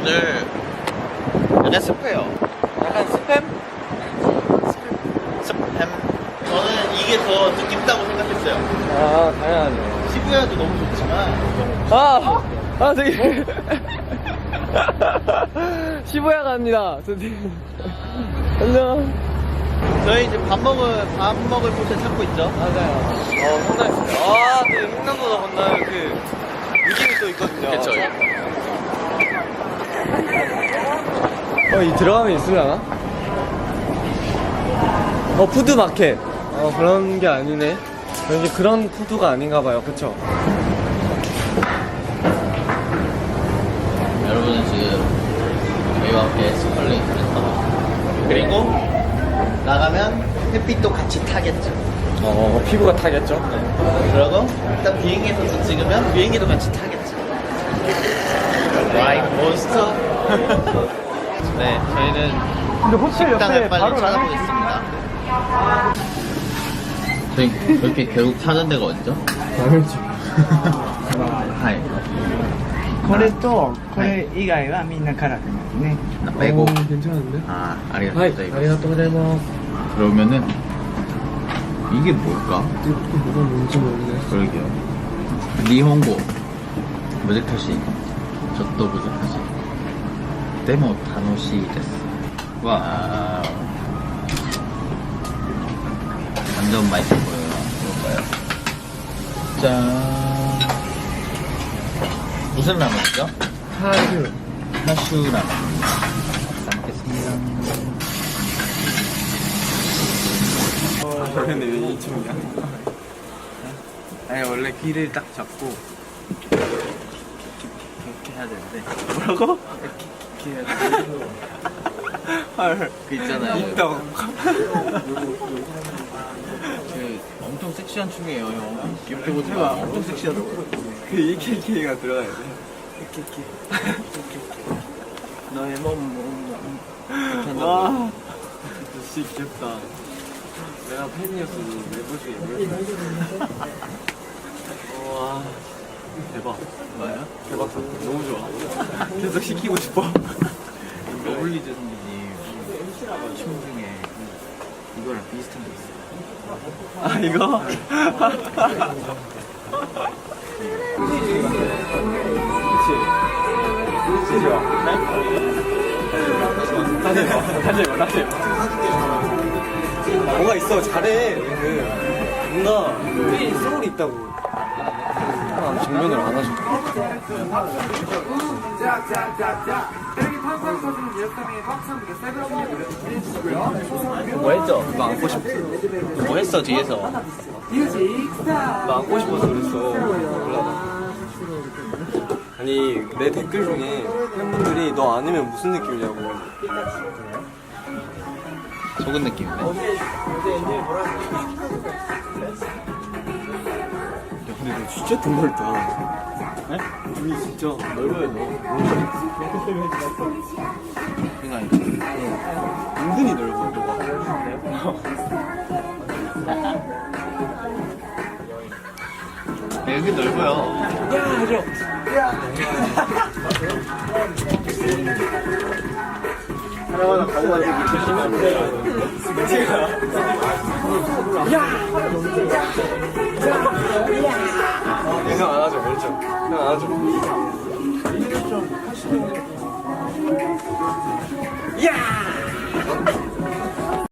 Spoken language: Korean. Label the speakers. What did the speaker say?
Speaker 1: 오늘 약간 습해요.
Speaker 2: 약간 스팸?
Speaker 1: 스팸. 저는 이게 더 느낌있다고 생각했어요.
Speaker 2: 아, 당연하죠.
Speaker 1: 시부야도 너무 좋지만
Speaker 2: 되게 시부야 갑니다. 안녕.
Speaker 1: 저희 이제 밥 먹을 곳을 찾고 있죠.
Speaker 2: 맞아요. 상당했습니다. 되게 횡단보도 건너는 그 느낌이 또 있거든요.
Speaker 1: 그쵸.
Speaker 2: 이 들어가면 있으려나? 푸드마켓. 그런 게 아니네. 왠지 그런 푸드가 아닌가봐요. 그쵸?
Speaker 1: 여러분은 지금 저희와 함께 스컬레이트를 타고 그리고 나가면 햇빛도 같이 타겠죠.
Speaker 2: 피부가 타겠죠?
Speaker 1: 그러고 일단 비행기에서 찍으면 비행기도 같이 타겠죠. 라이프 몬스터. 네, 저희는
Speaker 2: 근데 호텔
Speaker 1: 식당을 빨리 찾아보겠습니다. 저희 이렇게 결국 찾은 데가 어디죠?
Speaker 2: 당연히.
Speaker 1: 하이.
Speaker 3: これとこれ以外はみんな辛くないね。
Speaker 1: 나 빼고.
Speaker 2: 괜찮은데?
Speaker 1: 아, 아리가또
Speaker 2: 하이,
Speaker 1: 고자이마스.
Speaker 2: 아리가또 고자이마스.
Speaker 1: 그러면은 이게 뭘까?
Speaker 2: 이게 뭐가 뭔지 모르겠어.
Speaker 1: 그러게요. 니혼고 무제타시 저도 무제타시 데모 타노시 데스. 와, 완전 맛있어 보여요. 이거봐요. 짠. 무슨 라면이죠? 하슈 라면. 잘 먹겠습니다.
Speaker 2: 근데 왜 2층이야? 아니 원래 귀를 딱 잡고 이렇게 해야 되는데. 뭐라고? 이렇게 해야 돼. 헐.
Speaker 1: 그 있잖아요.
Speaker 2: 입덕.
Speaker 1: 그 엄청 섹시한 춤이에요, 형. 귀엽게 보지 마. 엄청 섹시하다고.
Speaker 2: 그 이케이케이가 들어가야 돼.
Speaker 1: 이렇게. 너의 몸. 이렇게 한다고.
Speaker 2: 와. 진짜 귀엽다. 내가 팬이었어도 내보시게. 와. 대박.
Speaker 1: 뭐예요?
Speaker 2: 대박 사건. 너무 좋아. 계속 시키고 싶어.
Speaker 1: 러블리즈 선배님 춤 중에 이거랑 비슷한 게 있어요.
Speaker 2: 이거? 그치 좋아. 다시 해봐. 뭐가 있어, 잘해. 뭔가 소울이 있다고. 정면을 안 하죠.
Speaker 1: 뭐 했죠? 너 안고 싶어. 뭐 했어 뒤에서?
Speaker 2: 나 안고 싶어서 그랬어. 아니 내 댓글 중에 팬분들이 너 안으면 무슨 느낌이냐고.
Speaker 1: 속은 느낌인데?
Speaker 2: 야 근데 너 진짜 등 넓다. 네? 등이 진짜 넓어요 너.
Speaker 1: 그러니까
Speaker 2: 은근히 넓어 너가.
Speaker 1: 여기 넓어요.
Speaker 2: 야 하죠. 하나하나 가오가지고 조심하면 돼. 형 안 하죠, 그렇죠? 형 안 하죠. 야!